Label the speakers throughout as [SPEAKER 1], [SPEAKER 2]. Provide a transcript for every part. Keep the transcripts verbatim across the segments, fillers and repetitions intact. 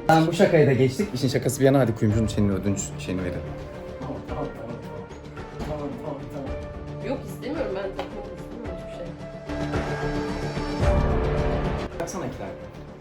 [SPEAKER 1] Tamam bu şakayı da geçtik. İşin şakası bir yana hadi kuyumcunun senin ödünç şeyini verin.
[SPEAKER 2] Tamam tamam tamam. Tamam tamam tamam.
[SPEAKER 3] Yok istemiyorum ben takmak istemiyorum hiçbir şey.
[SPEAKER 1] Baksana Kiler.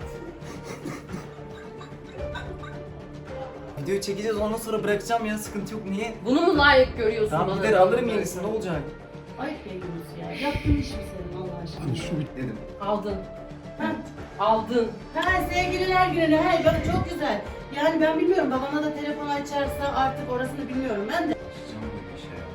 [SPEAKER 1] Videoyu çekeceğiz ondan sonra bırakacağım ya sıkıntı yok niye?
[SPEAKER 3] Bunu mu layık görüyorsun
[SPEAKER 1] Tamam
[SPEAKER 3] bana?
[SPEAKER 1] gider alırım yenisini ne olacak?
[SPEAKER 4] Ayıp Beygümüz ya. Yaptığın iş mi senin Allah aşkına?
[SPEAKER 1] Dedim.
[SPEAKER 3] Aldın.
[SPEAKER 4] Ha,
[SPEAKER 3] Aldın.
[SPEAKER 4] ha sevgililer günü. He bak çok güzel. Yani ben bilmiyorum babana da telefon açarsa artık orasını bilmiyorum ben de.
[SPEAKER 1] Açacağım böyle bir şey ya.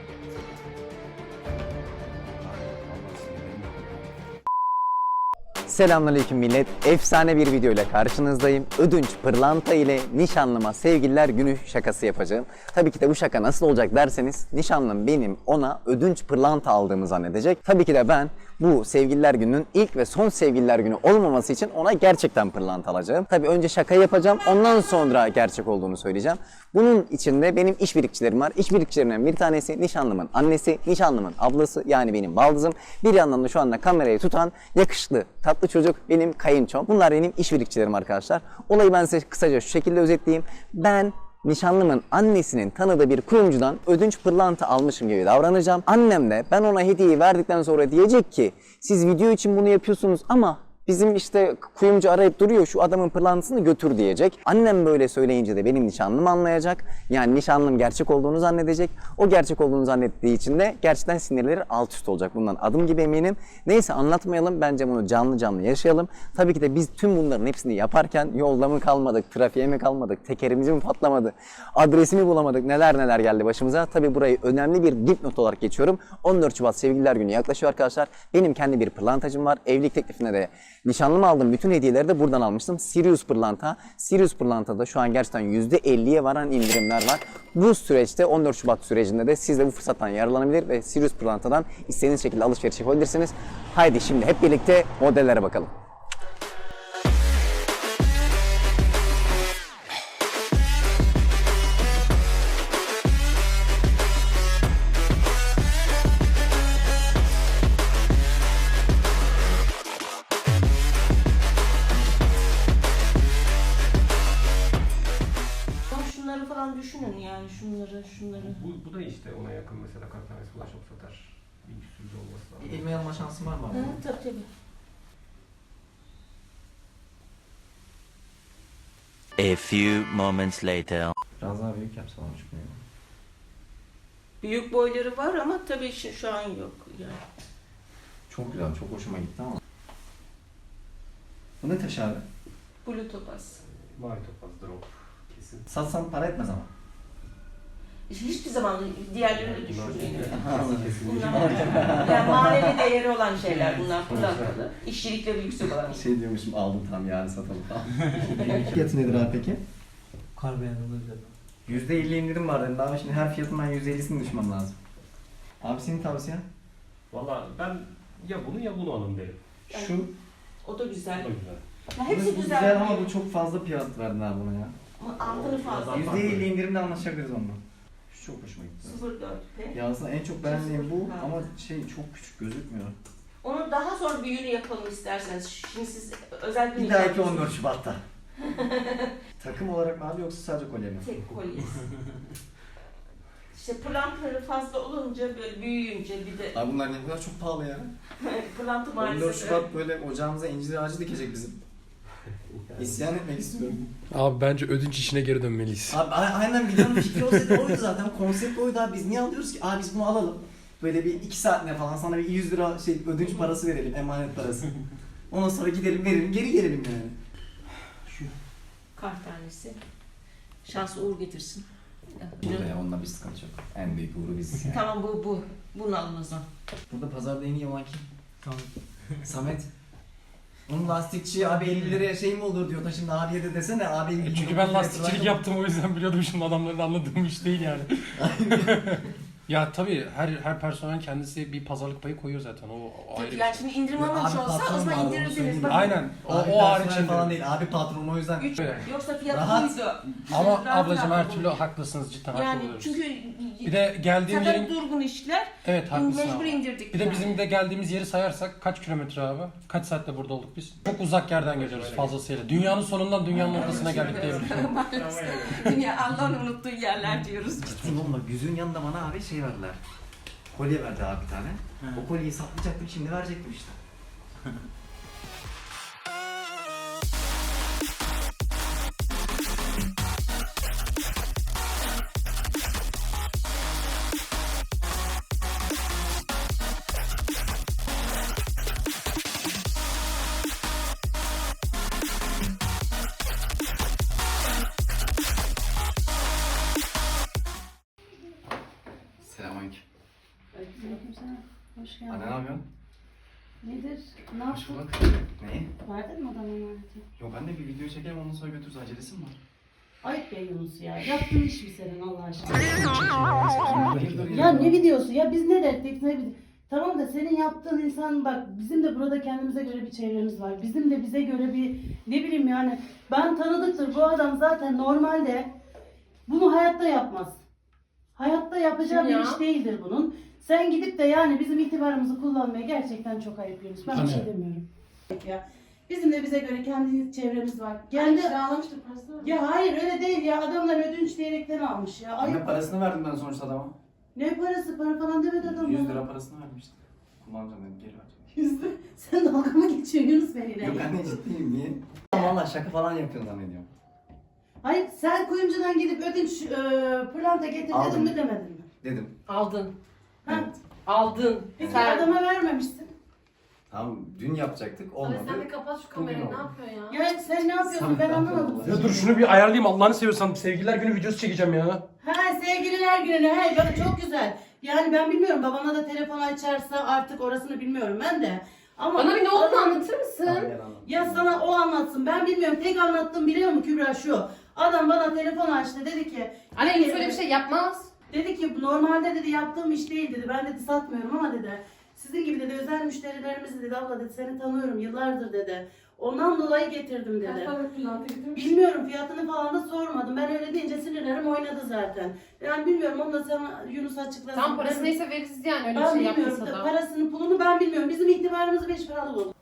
[SPEAKER 1] Allah sinirlerim bozuldu. Selamünaleyküm millet. Efsane bir video ile karşınızdayım. Ödünç pırlanta ile nişanlıma sevgililer günü şakası yapacağım. Tabii ki de bu şaka nasıl olacak derseniz nişanlım benim ona ödünç pırlanta aldığımı zannedecek. Tabii ki de ben bu sevgililer gününün ilk ve son sevgililer günü olmaması için ona gerçekten pırlanta alacağım. Tabii önce şaka yapacağım ondan sonra gerçek olduğunu söyleyeceğim. Bunun içinde benim işbirlikçilerim var. İşbirlikçilerimden bir tanesi nişanlımın annesi, nişanlımın ablası yani benim baldızım. Bir yandan da şu anda kamerayı tutan yakışıklı, tatlı çocuk benim kayınçom. Bunlar benim işbirlikçilerim arkadaşlar. Olayı ben size kısaca şu şekilde özetleyeyim. Ben nişanlımın annesinin tanıdığı bir kuyumcudan ödünç pırlanta almışım gibi davranacağım. Annem de ben ona hediyeyi verdikten sonra diyecek ki siz video için bunu yapıyorsunuz ama bizim işte kuyumcu arayıp duruyor şu adamın pırlantasını götür diyecek. Annem böyle söyleyince de benim nişanlım anlayacak. Yani nişanlım gerçek olduğunu zannedecek. O gerçek olduğunu zannettiği için de gerçekten sinirleri alt üst olacak. Bundan adım gibi eminim. Neyse anlatmayalım. Bence bunu canlı canlı yaşayalım. Tabii ki de biz tüm bunların hepsini yaparken yolda mı kalmadık, trafiğe mi kalmadık, tekerimizi mi patlamadı, adresimi bulamadık, neler neler geldi başımıza. Tabii burayı önemli bir dipnot olarak geçiyorum. on dört Şubat Sevgililer Günü yaklaşıyor arkadaşlar. Benim kendi bir pırlantacım var. Evlilik teklifine de nişanlım aldım. Bütün hediyeleri de buradan almıştım. Sirius pırlanta. Sirius pırlantada şu an gerçekten yüzde elliye varan indirimler var. Bu süreçte on dört Şubat sürecinde de siz de bu fırsattan yararlanabilir ve Sirius pırlantadan istediğiniz şekilde alışveriş yapabilirsiniz. Haydi şimdi hep birlikte modellere bakalım.
[SPEAKER 4] Şunları falan düşünün yani şunları şunları.
[SPEAKER 2] Bu, bu da işte ona yakın mesela kaç tanesi ulaşıp satar. Bir sürü olması lazım.
[SPEAKER 1] İlmeği alma şansım var mı?
[SPEAKER 4] Hı, tabii tabii.
[SPEAKER 5] A few moments later.
[SPEAKER 1] Biraz daha büyük yapsam çıkmıyor.
[SPEAKER 4] Büyük boyları var ama tabii şu, şu an yok yani.
[SPEAKER 1] Çok güzel, çok hoşuma gitti ama. Bu ne taş abi?
[SPEAKER 4] Blue topaz.
[SPEAKER 2] Mavi topaz drop. Kesin.
[SPEAKER 1] Satsam para etmez ama.
[SPEAKER 4] Hiçbir zaman diğerlerini düşünmeyin.
[SPEAKER 2] Kesin.
[SPEAKER 4] Bunlar yani manevi değeri olan şeyler bunlar pırlantalı. İşçilikleri yüksek olan.
[SPEAKER 1] Şey diyormuşum aldım tam yarın satalım falan. Fiyatı nedir abi peki?
[SPEAKER 6] Kar beyanında öyle.
[SPEAKER 1] yüzde elli indirim var dedim. Daha şimdi her fiyatın ben yüzde ellisini düşmem lazım. Abi senin tavsiyen?
[SPEAKER 2] Valla ben ya bunu ya bunu alın derim.
[SPEAKER 1] Şu.
[SPEAKER 4] O da güzel.
[SPEAKER 2] Bu da güzel.
[SPEAKER 4] Ya
[SPEAKER 1] Bu,
[SPEAKER 4] hepsi
[SPEAKER 1] bu
[SPEAKER 4] güzel.
[SPEAKER 1] güzel ama bu çok fazla fiyat verdin abi buna ya.
[SPEAKER 4] Ama altını fazla.
[SPEAKER 2] Yüzde
[SPEAKER 1] yüzde elli indirimde anlaşabiliriz onunla. Şu çok hoşuma gitti.
[SPEAKER 4] sıfır virgül dört P.
[SPEAKER 1] Ya aslında en çok beğendiğim bu
[SPEAKER 4] Ha.
[SPEAKER 1] ama şey çok küçük gözükmüyor.
[SPEAKER 4] Onu daha sonra büyüğünü yapalım isterseniz. Şimdi siz özel bir
[SPEAKER 1] Bir dahaki on dört Şubat'ta. Takım olarak mı abi yoksa sadece kolye mi?
[SPEAKER 4] tek kolyesi. İşte pırlantaları fazla olunca böyle büyüyünce bir de
[SPEAKER 1] Abi bunlar ne kadar çok pahalı ya.
[SPEAKER 4] pırlanta
[SPEAKER 1] on
[SPEAKER 4] maalesef.
[SPEAKER 1] dört Şubat böyle ocağımıza incir ağacı dikecek bizim. İsyan etmek istiyorum.
[SPEAKER 7] Abi bence ödünç işine geri dönmeliyiz.
[SPEAKER 1] Abi a- aynen videonun fikri olsaydı oydu zaten. Konsept oydu abi. Biz niye alıyoruz ki? Abi biz bunu alalım. Böyle bir iki saatine falan sana bir yüz lira şey ödünç parası verelim. Emanet parası. Ondan sonra gidelim verelim. Geri gelelim yani. Şu.
[SPEAKER 4] Kart tanesi. Şans uğur getirsin.
[SPEAKER 1] Burada ya onunla bir sıkıntı yok. En büyük uğru biziz yani.
[SPEAKER 4] Tamam bu bu. Bunu alın o zaman.
[SPEAKER 1] Burada pazarda en iyi olan kim?
[SPEAKER 6] Tamam.
[SPEAKER 1] Samet. Onun lastikçi abi elli liraya şey mi olur diyor da şimdi abiye de desene abi elli
[SPEAKER 7] E Çünkü ben lastikçilik yaptım o yüzden biliyordum şimdi adamların anladığım iş değil yani. Ya tabii her her personel kendisi bir pazarlık payı koyuyor zaten. O, o ayrı bir
[SPEAKER 8] Yani
[SPEAKER 7] şey.
[SPEAKER 8] şimdi indirim almamış olsa o zaman indirirdiniz. Bakın.
[SPEAKER 7] Aynen. O,
[SPEAKER 6] Abi
[SPEAKER 7] o hariç
[SPEAKER 6] personel falan
[SPEAKER 7] indirim.
[SPEAKER 6] değil. Abi patron o yüzden.
[SPEAKER 8] Üç,
[SPEAKER 7] Evet.
[SPEAKER 8] yoksa fiyatı
[SPEAKER 6] Rahat.
[SPEAKER 8] buydu.
[SPEAKER 7] Ama
[SPEAKER 8] Rahat
[SPEAKER 7] ablacığım
[SPEAKER 8] rahat
[SPEAKER 7] her türlü
[SPEAKER 8] buluyor.
[SPEAKER 7] haklısınız, cidden haklı
[SPEAKER 8] Yani
[SPEAKER 7] oluyoruz.
[SPEAKER 8] çünkü
[SPEAKER 7] Bir de geldiğim
[SPEAKER 8] zaten
[SPEAKER 7] yerin...
[SPEAKER 8] durgun işler.
[SPEAKER 7] Evet haklısın
[SPEAKER 8] Mecbur
[SPEAKER 7] abi.
[SPEAKER 8] indirdik.
[SPEAKER 7] Bir de
[SPEAKER 8] yani.
[SPEAKER 7] bizim de geldiğimiz yeri sayarsak kaç kilometre abi? Kaç saatte burada olduk biz? Çok uzak yerden geliyoruz fazlasıyla. Dünyanın sonundan dünyanın ortasına geldik diyebilirim.
[SPEAKER 8] Dünya Allah'ın unuttuğu yerler diyoruz.
[SPEAKER 6] Ciddiyim oğlum bak yüzüğün yanında bana abi şey verdiler. Kolye verdi abi bir tane. O kolyeyi saklayacaktım şimdi verecektim işte. Selamünaleyküm.
[SPEAKER 4] Hoş
[SPEAKER 6] Anne ne
[SPEAKER 4] geldin.
[SPEAKER 6] yapıyorsun?
[SPEAKER 4] Nedir? Ne
[SPEAKER 6] Hoş
[SPEAKER 4] yaptın?
[SPEAKER 6] bulduk. Neyi?
[SPEAKER 4] Verdin mi adamın emaneti?
[SPEAKER 6] Yok anne bir video çekelim ondan sonra götürürüz acelesi mi var?
[SPEAKER 4] Ayıp be Yunus ya. Yaptığın iş mi senin Allah aşkına?
[SPEAKER 6] Hayırdır
[SPEAKER 4] Ya ne videosu? Ya biz ne derdik? Ne vid- Tamam da senin yaptığın insan bak bizim de burada kendimize göre bir çevremiz var. Bizim de bize göre bir ne bileyim yani ben tanıdıktır bu adam zaten normalde bunu hayatta yapmaz. Hayatta yapacağı
[SPEAKER 3] Kim
[SPEAKER 4] bir
[SPEAKER 3] ya?
[SPEAKER 4] iş değildir bunun. Sen gidip de yani bizim itibarımızı kullanmaya gerçekten çok ayıp Yunus. Ben bir şey demiyorum. Ya bizim de bize göre kendi çevremiz var.
[SPEAKER 3] Kendi
[SPEAKER 4] Kendi
[SPEAKER 3] kiralamıştır parasını.
[SPEAKER 4] ya hayır öyle değil ya adamlar ödünç diyerekten almış ya.
[SPEAKER 6] Anne
[SPEAKER 4] Ayıp.
[SPEAKER 6] parasını verdim ben sonuçta adama.
[SPEAKER 4] Ne parası para falan demedi adam
[SPEAKER 6] yüz
[SPEAKER 4] bana.
[SPEAKER 6] lira parasını vermiştim. Kullanacağım dedim geri vereceğim.
[SPEAKER 4] Yüzde. Sen dalga mı geçiyorsun Yunus benimle?
[SPEAKER 6] Yok anne ciddiyim niye? Valla şaka falan yapıyorsun zannediyorum.
[SPEAKER 4] Hayır sen kuyumcudan gidip ödünç e, pırlanta getir
[SPEAKER 6] Aldım.
[SPEAKER 4] dedin mi demedin mi?
[SPEAKER 6] Dedim.
[SPEAKER 3] Aldın.
[SPEAKER 4] Ha?
[SPEAKER 6] Evet.
[SPEAKER 3] Aldın.
[SPEAKER 4] Peki
[SPEAKER 3] Sen.
[SPEAKER 4] adama vermemişsin.
[SPEAKER 6] Tamam dün yapacaktık
[SPEAKER 3] Abi
[SPEAKER 6] olmadı.
[SPEAKER 3] sen bir kapat şu
[SPEAKER 6] Bugün
[SPEAKER 3] kamerayı. Ne
[SPEAKER 6] oldu.
[SPEAKER 3] yapıyorsun ya?
[SPEAKER 4] Ya sen ne yapıyorsun
[SPEAKER 6] Sen
[SPEAKER 4] ben
[SPEAKER 6] ne
[SPEAKER 4] anlamadım.
[SPEAKER 6] yapıyorsun?
[SPEAKER 7] Ya dur şunu bir ayarlayayım Allah'ını seviyorsan. Sevgililer günü videosu çekeceğim ya.
[SPEAKER 4] Ha sevgililer günü he bak çok güzel. Yani ben bilmiyorum babana da telefon açarsa artık orasını bilmiyorum ben de. Ama
[SPEAKER 3] Bana bir ne olduğunu
[SPEAKER 4] Adam-
[SPEAKER 3] anlatır mısın?
[SPEAKER 6] Tamam, gel anlat.
[SPEAKER 4] Ya sana o anlatsın ben bilmiyorum tek anlattığım biliyor musun Kübra şu. Adam bana telefon açtı dedi ki
[SPEAKER 3] Anne Yunus öyle bir şey yapmaz.
[SPEAKER 4] Dedi ki normalde dedi yaptığım iş değil dedi. Ben dedi satmıyorum ama dedi. Sizin gibi dedi özel müşterilerimiz dedi abla dedi seni tanıyorum yıllardır dedi. Ondan dolayı getirdim dedi.
[SPEAKER 3] Kaç para pırlanta getirmiş?
[SPEAKER 4] Bilmiyorum fiyatını falan da sormadım. Ben öyle deyince sinirlerim oynadı zaten. Yani bilmiyorum onu da sana Yunus açıklasın.
[SPEAKER 3] Tam parası
[SPEAKER 4] Ben-
[SPEAKER 3] neyse veririz yani öyle bir
[SPEAKER 4] Ben
[SPEAKER 3] şey
[SPEAKER 4] bilmiyorum.
[SPEAKER 3] yapmasa da.
[SPEAKER 4] Parasını pulunu ben bilmiyorum. Bizim itibarımız beş paralı oldu.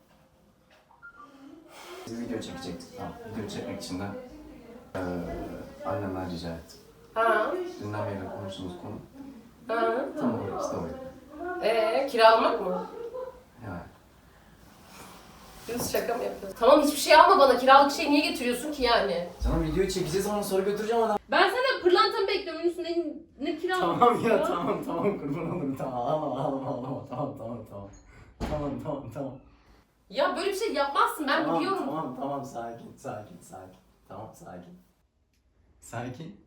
[SPEAKER 6] Biz video çekecektik. Tamam. Video çekmek için de eee annemden rica ettim.
[SPEAKER 3] Ha.
[SPEAKER 6] Dünden beri konuştuğumuz konu.
[SPEAKER 3] Ha.
[SPEAKER 6] Tam olarak işte o.
[SPEAKER 3] Eee kiralamak mı?
[SPEAKER 6] Yani.
[SPEAKER 3] Yunus şaka mı yapıyorsun? Tamam hiçbir şey alma bana. Kiralık şey niye getiriyorsun ki yani?
[SPEAKER 6] Canım videoyu çekeceğiz ondan sonra götüreceğim adam.
[SPEAKER 3] Ben senden pırlantamı bekliyorum Yunus. Ne, ne kiralık?
[SPEAKER 6] Tamam ya tamam tamam kurban olurum tamam ağlama ağlama ağlama tamam tamam tamam. Tamam tamam tamam.
[SPEAKER 3] Ya böyle bir şey yapmazsın ben
[SPEAKER 6] tamam,
[SPEAKER 3] biliyorum.
[SPEAKER 6] Tamam tamam sakin sakin sakin. Tamam sakin. Sakin.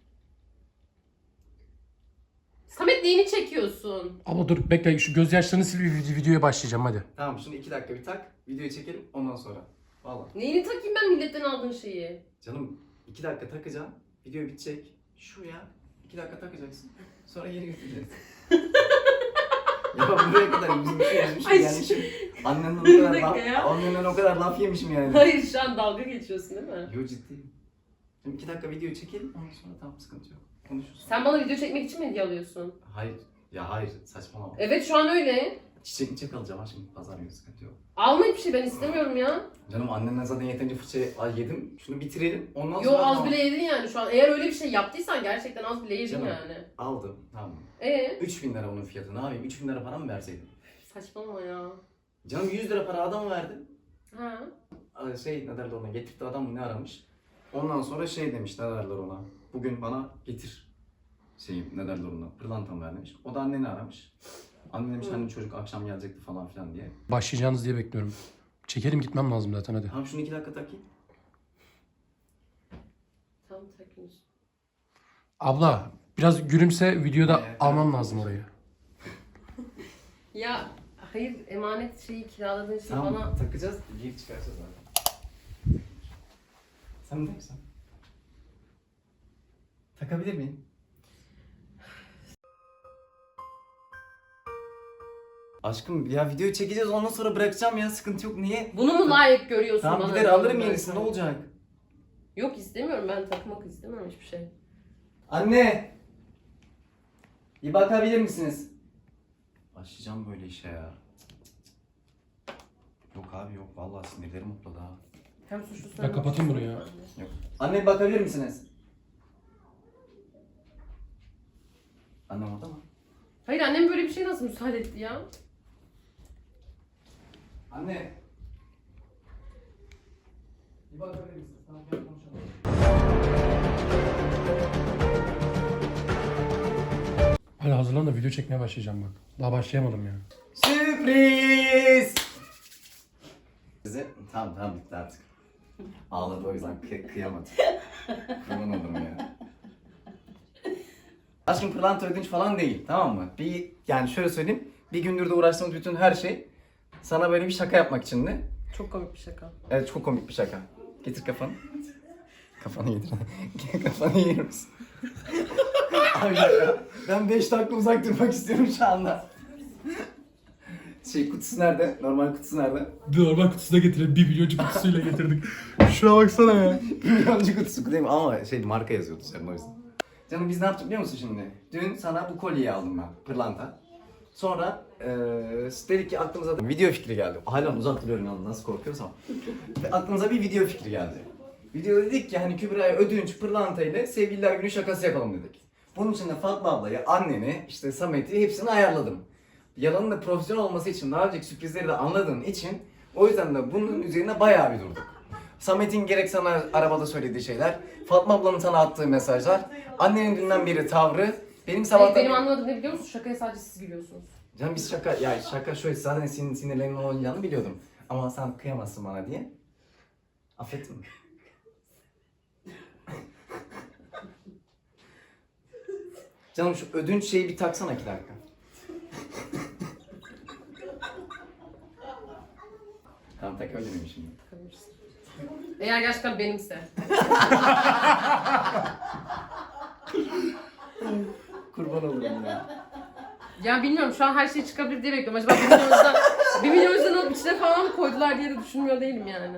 [SPEAKER 3] Samet neyini çekiyorsun?
[SPEAKER 7] Abla dur bekle şu gözyaşlarını sil bir vid- videoya başlayacağım hadi.
[SPEAKER 6] Tamam şimdi iki dakika bir tak. Videoyu çekelim ondan sonra. Valla.
[SPEAKER 3] Neyini takayım ben milletten aldığın şeyi?
[SPEAKER 6] Canım iki dakika takacaksın. Video bitecek. Şu ya. iki dakika takacaksın. Sonra geri götüreceksin. Ya buraya kadar yüzüm şey yazmışım
[SPEAKER 3] Ay,
[SPEAKER 6] yani şimdi annenden o
[SPEAKER 3] bir
[SPEAKER 6] kadar
[SPEAKER 3] dakika
[SPEAKER 6] laf,
[SPEAKER 3] ya.
[SPEAKER 6] annenden o kadar laf yemişim yani.
[SPEAKER 3] Hayır şu an dalga geçiyorsun değil mi?
[SPEAKER 6] Yo ciddiyim. Şimdi iki dakika video çekelim ondan sonra tamam sıkıntı yok. Konuşuruz.
[SPEAKER 3] Sen bana video çekmek için mi hediye alıyorsun?
[SPEAKER 6] Hayır. Ya hayır saçmalama.
[SPEAKER 3] Evet şu an öyle.
[SPEAKER 6] Çiçek çiçek alacağım ha şimdi pazar günü sıkıntı yok.
[SPEAKER 3] Alma hiçbir şey ben istemiyorum ya.
[SPEAKER 6] Canım annenden zaten yeterince fırça al yedim. Şunu bitirelim ondan
[SPEAKER 3] Yo
[SPEAKER 6] sonra
[SPEAKER 3] az
[SPEAKER 6] tamam.
[SPEAKER 3] bile yedin yani şu an. Eğer öyle bir şey yaptıysan gerçekten az bile yedin
[SPEAKER 6] Canım.
[SPEAKER 3] yani.
[SPEAKER 6] Aldım tamam.
[SPEAKER 3] Ee?
[SPEAKER 6] üç bin lira bunun fiyatı ne yapayım? üç bin lira para mı verseydim?
[SPEAKER 3] Saçmalama ya.
[SPEAKER 6] Canım yüz lira para adama verdim.
[SPEAKER 3] Ha.
[SPEAKER 6] Aa, Şey ne derler ona getirdi adam mı ne aramış. Ondan sonra şey demiş ne derler ona. Bugün bana getir. Şeyim ne derler ona pırlantamı ver demiş. O da anneni aramış. Anne demiş hani çocuk akşam gelecekti falan filan diye.
[SPEAKER 7] Başlayacağınız diye bekliyorum. Çekelim gitmem lazım zaten hadi.
[SPEAKER 6] Tamam şunu iki dakika takayım.
[SPEAKER 3] Tamam takıyoruz.
[SPEAKER 7] Abla biraz gülümse videoda
[SPEAKER 6] Evet,
[SPEAKER 7] almam
[SPEAKER 6] evet.
[SPEAKER 7] lazım orayı.
[SPEAKER 3] Ya hayır emanet şeyi kiraladığın şey
[SPEAKER 6] Tamam
[SPEAKER 3] bana...
[SPEAKER 6] takacağız giyip çıkaracağız abi. Sen ne misin? Takabilir miyim? Aşkım ya videoyu çekeceğiz ondan sonra bırakacağım ya sıkıntı yok niye?
[SPEAKER 3] Bunu mu layık görüyorsun
[SPEAKER 6] Tamam
[SPEAKER 3] bana?
[SPEAKER 6] gider alırım yenisini ne olacak?
[SPEAKER 3] Yok istemiyorum, ben takmak istemiyorum hiçbir şey.
[SPEAKER 6] Anne! Bir bakabilir misiniz? Başlayacağım böyle işe ya. Yok abi yok vallahi sinirlerim mutladı ha.
[SPEAKER 3] Hem suçlusun
[SPEAKER 7] Ya kapatayım bunu ya.
[SPEAKER 6] Yok. Anne bir bakabilir misiniz? Annem orada mı?
[SPEAKER 3] Hayır, annem böyle bir şey nasıl müsaade etti ya?
[SPEAKER 6] Anne! Bir bakabilir misiniz? Tamam gel konuşalım.
[SPEAKER 7] Hadi hazırlan da video çekmeye başlayacağım bak. Daha başlayamadım ya.
[SPEAKER 6] Sürpriz! Size tamam tamam bitti artık. Ağladı o yüzden kı- kıyamadım. Kurban olurum ya. Aşkım pırlanta ödünç falan değil tamam mı? Bir yani şöyle söyleyeyim. Bir gündür de uğraştığımız bütün her şey sana böyle bir şaka yapmak için de.
[SPEAKER 3] Çok komik bir şaka.
[SPEAKER 6] Evet çok komik bir şaka. Getir kafanı. Kafanı yedir. Kafanı yer misin? Abi ya, ben beş dakika uzak durmak istiyorum şu anda. Şey kutusu nerede? Normal kutusu nerede?
[SPEAKER 7] Normal kutusuna getirelim. Bir milyoncu kutusuyla getirdik. Şuna baksana ya.
[SPEAKER 6] Milyoncu kutusu değil mi? Ama şey marka yazıyordu senin o yüzden. Canım biz ne yaptık biliyor musun şimdi? Dün sana bu kolyeyi aldım ben. Pırlanta. Sonra eee dedik ki aklımıza video fikri geldi. Hala uzak duruyorum yalnız nasıl korkuyorsam. Ve aklımıza bir video fikri geldi. Video dedik ki hani Kübra'ya ödünç pırlanta ile sevgililer günü şakası yapalım dedik. Bunun için de Fatma ablayı, anneni, işte Samet'i hepsini ayarladım. Yalanın da profesyonel olması için daha önceki sürprizleri de anladığın için o yüzden de bunun üzerine bayağı bir durduk. Samet'in gerek sana arabada söylediği şeyler, Fatma ablanın sana attığı mesajlar, annenin dünden beri tavrı, benim sabahtan...
[SPEAKER 3] Hayır, benim anlamadığım ne biliyor musun? Şakaya sadece siz gülüyorsunuz.
[SPEAKER 6] Canım biz şaka, ya şaka şöyle zaten senin sinirlerinin olacağını biliyordum. Ama sen kıyamazsın bana diye. Affettin mi? Canım şu ödünç şeyi bir taksana iki dakika. Tamam tak öyle miyim şimdi?
[SPEAKER 3] Takabilirsin. Eğer gerçekten benimse.
[SPEAKER 6] Kurban olurum ya.
[SPEAKER 3] Ya bilmiyorum, şu an her şey çıkabilir diye bekliyorum. Acaba bir milyon yüzden, bir milyon yüzden alıp içine falan mı koydular diye de düşünmüyor değilim yani.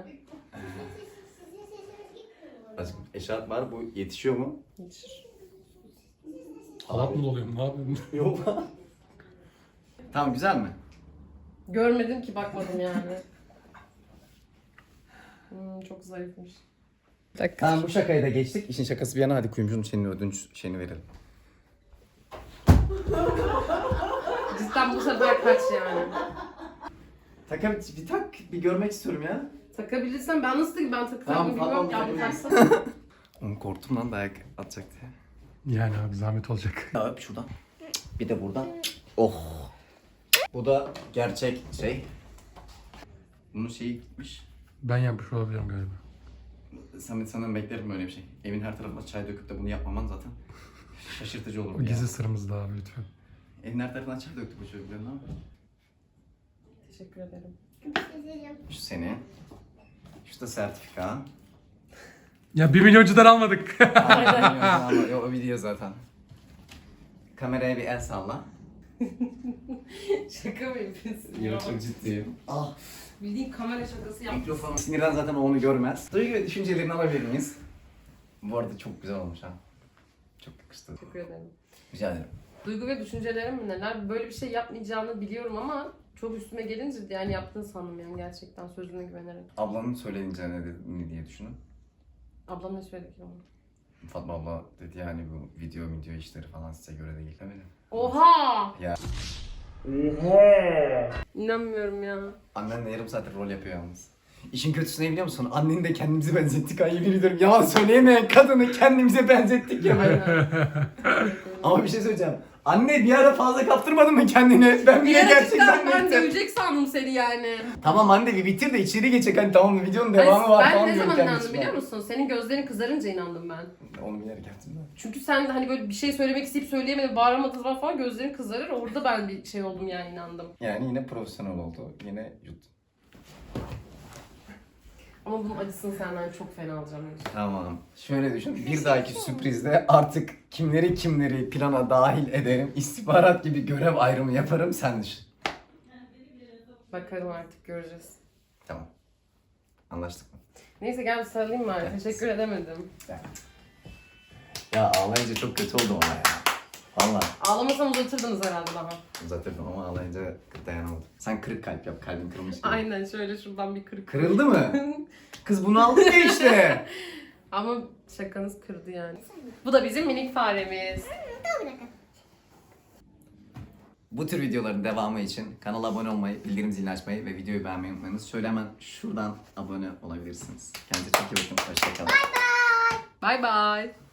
[SPEAKER 6] Azıcık eşarp var bu yetişiyor mu?
[SPEAKER 3] Yetişir.
[SPEAKER 7] Halat mı doluyorum ne yapayım?
[SPEAKER 6] Yok. Tamam güzel mi?
[SPEAKER 3] Görmedim ki, bakmadım yani. Hmm, çok zayıfmış.
[SPEAKER 6] Tamam bu şakayı da geçtik. İşin şakası bir yana hadi kuyumcunun şeyini ödünç şeyini verelim.
[SPEAKER 3] Cidden bu sefer kaç yani?
[SPEAKER 6] Taka bir, bir tak bir görmek istiyorum ya.
[SPEAKER 3] Takabilirsen ben nasıl ben takacağım
[SPEAKER 6] Tamam,
[SPEAKER 3] bilmiyorum
[SPEAKER 6] tamam,
[SPEAKER 3] ya, bu
[SPEAKER 6] tamam.
[SPEAKER 3] taksana.
[SPEAKER 6] Onu korktum lan dayak atacak diye.
[SPEAKER 7] Yani abi zahmet olacak.
[SPEAKER 6] Ya öp şuradan. Bir de buradan. Oh. Bu da gerçek şey. Bunun şeyi gitmiş.
[SPEAKER 7] Ben yapmış olabilirim galiba.
[SPEAKER 6] Samet senden beklerim böyle bir şey. Evin her tarafına çay döküp de bunu yapmaman zaten şaşırtıcı olur
[SPEAKER 7] O
[SPEAKER 6] ya.
[SPEAKER 7] gizli sırrımız da abi lütfen.
[SPEAKER 6] Evin her tarafına çay döktü bu çocuk biliyor musun?
[SPEAKER 3] Teşekkür ederim.
[SPEAKER 6] Şu seni. Şu da sertifika.
[SPEAKER 7] Ya bir milyoncudan almadık.
[SPEAKER 6] Ama o o video zaten. Kameraya bir el salla.
[SPEAKER 3] Şaka mı yapıyorsun ya?
[SPEAKER 6] Yok çok ciddiyim. Ah.
[SPEAKER 3] Bildiğin kamera şakası yaptın.
[SPEAKER 6] Mikrofon. Sinirden zaten onu görmez. Duygu ve düşüncelerini alabilir miyiz? Bu arada çok güzel olmuş ha. Çok yakıştı.
[SPEAKER 3] Teşekkür ederim.
[SPEAKER 6] Rica ederim.
[SPEAKER 3] Duygu ve düşüncelerim mi neler? Böyle bir şey yapmayacağını biliyorum ama çok üstüme gelince yani yaptığını sandım yani, gerçekten sözüne güvenerek.
[SPEAKER 6] Ablanın söyleyince ne, dedi, ne diye düşünün.
[SPEAKER 3] Ablam ne söyledi ki ona?
[SPEAKER 6] Fatma abla dedi yani bu video video işleri falan size göre değil değil mi?
[SPEAKER 3] Oha!
[SPEAKER 6] Ya.
[SPEAKER 3] İnanmıyorum ya.
[SPEAKER 6] Annen de yarım saattir rol yapıyor yalnız. İşin kötüsü ne biliyor musun? Anneni de kendimize benzettik. Ay yemin ediyorum yalan söyleyemeyen kadını kendimize benzettik ya.
[SPEAKER 3] Aynen.
[SPEAKER 6] Ama bir şey söyleyeceğim. Anne bir ara fazla kaptırmadın mı kendini? Ben bile gerçek
[SPEAKER 3] Gerçekten ben
[SPEAKER 6] zannettim.
[SPEAKER 3] dövecek sandım seni yani.
[SPEAKER 6] Tamam anne bir bitir de içeri geçecek hani tamam mı videonun devamı
[SPEAKER 3] Hayır,
[SPEAKER 6] var
[SPEAKER 3] ben
[SPEAKER 6] falan
[SPEAKER 3] ne
[SPEAKER 6] diyorum
[SPEAKER 3] zaman
[SPEAKER 6] kendi
[SPEAKER 3] inandım
[SPEAKER 6] içime.
[SPEAKER 3] biliyor musun? Senin gözlerin kızarınca inandım ben.
[SPEAKER 6] Onu bilerek yaptım da.
[SPEAKER 3] Çünkü sen de hani böyle bir şey söylemek isteyip söyleyemedin, bağıramadın falan falan, gözlerin kızarır. Orada ben bir şey oldum yani, inandım.
[SPEAKER 6] Yani yine profesyonel oldu. Yine yuttum.
[SPEAKER 3] Ama bunun acısını senden çok fena alacağım.
[SPEAKER 6] Tamam. Şöyle düşün. Bir dahaki sürprizde artık kimleri kimleri plana dahil ederim. İstihbarat gibi görev ayrımı yaparım sen düşün.
[SPEAKER 3] Bakarım artık, göreceğiz.
[SPEAKER 6] Tamam. Anlaştık mı?
[SPEAKER 3] Neyse gel bir sarılayım bari.
[SPEAKER 6] Evet.
[SPEAKER 3] Teşekkür edemedim.
[SPEAKER 6] Ya ağlayınca çok kötü oldu ona ya. Valla
[SPEAKER 3] Ağlamasam uzatırdınız herhalde daha.
[SPEAKER 6] uzatırdım ama ağlayınca dayanamadım. Sen kırık kalp yap, kalbin kırılmış gibi.
[SPEAKER 3] Aynen şöyle şuradan bir kırık.
[SPEAKER 6] Kırıldı mı? Kız bunu aldı ya işte.
[SPEAKER 3] Ama şakanız kırdı yani. Bu da bizim minik faremiz.
[SPEAKER 6] Bu tür videoların devamı için kanala abone olmayı, bildirim zilini açmayı ve videoyu beğenmeyi unutmayınız. Şöyle hemen şuradan abone olabilirsiniz. Kendinize çok iyi bakın. Hoşçakalın.
[SPEAKER 3] Bye bye.